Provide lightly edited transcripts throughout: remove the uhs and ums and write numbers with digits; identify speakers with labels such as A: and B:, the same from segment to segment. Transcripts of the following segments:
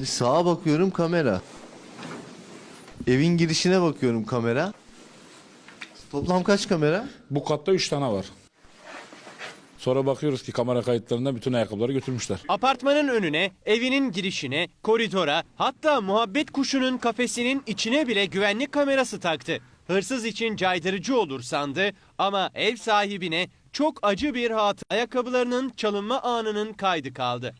A: Sağa bakıyorum kamera. Evin girişine bakıyorum kamera. Toplam kaç kamera?
B: Bu katta 3 tane var. Sonra bakıyoruz ki kamera kayıtlarında bütün ayakkabıları götürmüşler.
C: Apartmanın önüne, evinin girişine, koridora, hatta muhabbet kuşunun kafesinin içine bile güvenlik kamerası taktı. Hırsız için caydırıcı olur sandı ama ev sahibine çok acı bir hatıra. Ayakkabılarının çalınma anının kaydı kaldı.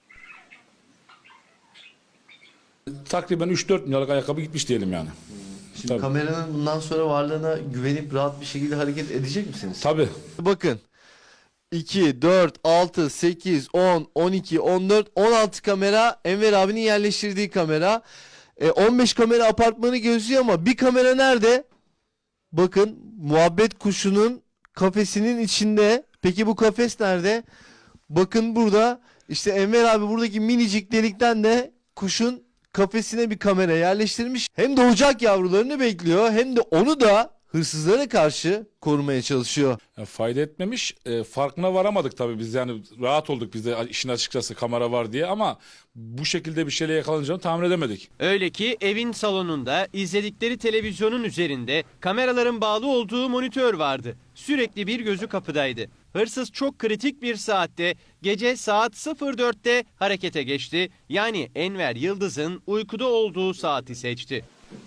B: Takriben 3-4 milyarlık ayakkabı gitmiş diyelim yani.
A: Şimdi
B: Tabii.
A: kameranın bundan sonra varlığına güvenip rahat bir şekilde hareket edecek misiniz?
B: Tabii.
A: Bakın. 2, 4, 6, 8, 10, 12, 14, 16 kamera Enver abinin yerleştirdiği kamera. 15 kamera apartmanı gözlüyor ama bir kamera nerede? Bakın muhabbet kuşunun kafesinin içinde. Peki bu kafes nerede? Bakın burada işte Enver abi buradaki minicik delikten de kuşun kafesine bir kamera yerleştirmiş. Hem doğacak yavrularını bekliyor hem de onu da hırsızlara karşı korumaya çalışıyor.
B: Yani fayda etmemiş. Farkına varamadık tabii biz, yani rahat olduk biz de işin açıkçası kamera var diye, ama bu şekilde bir şeyle yakalanacağını tahmin edemedik.
C: Öyle ki evin salonunda izledikleri televizyonun üzerinde kameraların bağlı olduğu monitör vardı. Sürekli bir gözü kapıdaydı. Hırsız çok kritik bir saatte, gece saat 04'te harekete geçti. Yani Enver Yıldız'ın uykuda olduğu saati seçti.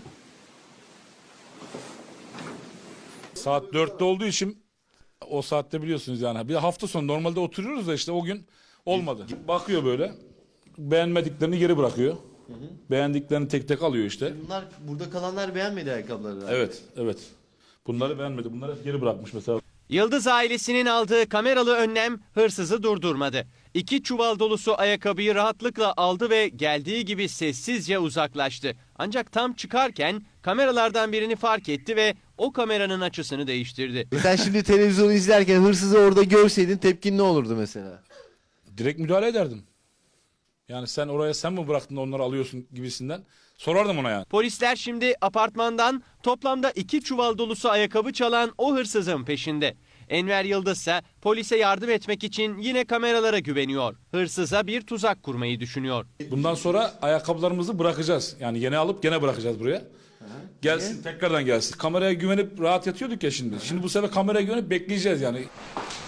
B: Saat 4'te olduğu için o saatte biliyorsunuz yani. Bir hafta sonu normalde oturuyoruz da işte o gün olmadı. Bakıyor böyle, beğenmediklerini geri bırakıyor. Beğendiklerini tek tek alıyor işte.
A: Bunlar burada kalanlar beğenmedi ayakkabıları.
B: Evet, evet. Bunları beğenmedi. Bunları hep geri bırakmış mesela.
C: Yıldız ailesinin aldığı kameralı önlem hırsızı durdurmadı. 2 çuval dolusu ayakkabıyı rahatlıkla aldı ve geldiği gibi sessizce uzaklaştı. Ancak tam çıkarken kameralardan birini fark etti ve o kameranın açısını değiştirdi.
A: Sen şimdi televizyonu izlerken hırsızı orada görseydin tepkin ne olurdu mesela?
B: Direkt müdahale ederdim. Yani sen oraya sen mi bıraktın da onları alıyorsun gibisinden sorardım ona yani.
C: Polisler şimdi apartmandan toplamda 2 çuval dolusu ayakkabı çalan o hırsızın peşinde. Enver Yıldız ise polise yardım etmek için yine kameralara güveniyor. Hırsıza bir tuzak kurmayı düşünüyor.
B: Bundan sonra ayakkabılarımızı bırakacağız. Yani yeni alıp gene bırakacağız buraya. Gelsin, tekrardan gelsin. Kameraya güvenip rahat yatıyorduk ya şimdi. Şimdi bu sefer kameraya güvenip bekleyeceğiz yani.